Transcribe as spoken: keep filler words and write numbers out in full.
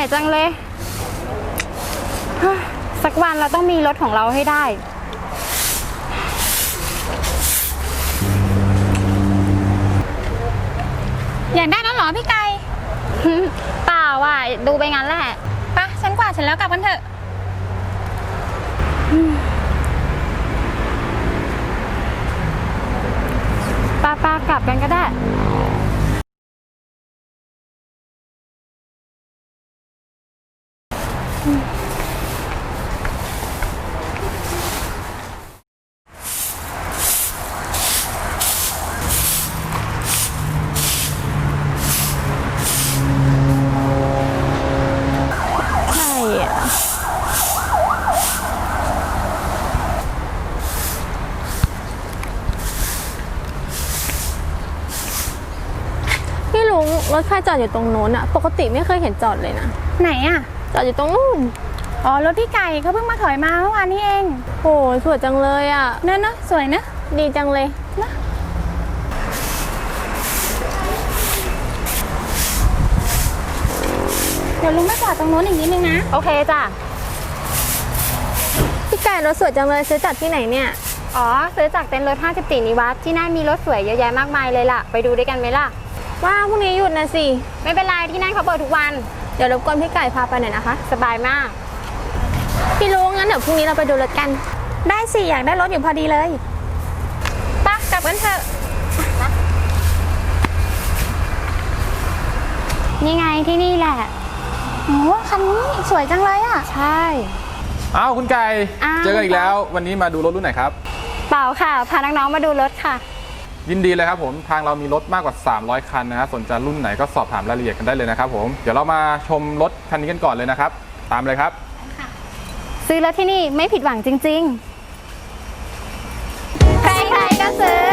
จังเลยสักวันเราต้องมีรถของเราให้ได้อยากได้แล้วเหรอพี่ไก่เปล่าว่ะดูไปงั้นแหละปะฉันกวาดเสร็จแล้วกลับกันเถอะป้าป้ากลับกันก็ได้ใช่อ่ะพี่ลุงรถใครจอดอยู่ตรงโน้นอะปกติไม่เคยเห็นจอดเลยนะไหนอ่ะจอดอยู่ตรงนู้นอ๋อรถพี่ไก่เขาเพิ่งมาถอยมาเมื่อวานนี้เองโหสวยจังเลยอะเนอะเนอะสวยเนอะดีจังเลยเดี๋ยวลุงไม่กวาดตรงโน้นอีกนิดนึงนะโอเคจ้ะพี่ไก่รถสวยจังเลยซื้อจากที่ไหนเนี่ยอ๋อซื้อจากเต็นท์รถห้าสิบสี่นิวัฒน์ที่นั่นมีรถสวยเยอะแยะมากมายเลยล่ะไปดูด้วยกันไหมล่ะว่าพรุ่งนี้หยุดนะสิไม่เป็นไรที่นั่นเขาเปิดทุกวันเดี๋ยวรบกวนพี่ไก่พาไปหน่อยนะคะสบายมากพี่ลุงงั้นเดี๋ยวพรุ่งนี้เราไปดูรถกันได้สิอยากได้รถอยู่พอดีเลยปะกลับกันเถอะนี่ไงที่นี่แหละโอ้คันนี้สวยจังเลยอ่ะใช่อ้าวคุณไก่อ้าวเจอกันอีกแล้ววันนี้มาดูรถรุ่นไหนครับเปล่าค่ะพาน้องๆมาดูรถค่ะยินดีเลยครับผมทางเรามีรถมากกว่าสามร้อยคันนะครับสนใจรุ่นไหนก็สอบถามรายละเอียดกันได้เลยนะครับผมเดี๋ยวเรามาชมรถคันนี้กันก่อนเลยนะครับตามเลยครับซื้อรถที่นี่ไม่ผิดหวังจริงๆใครๆก็ซื้อ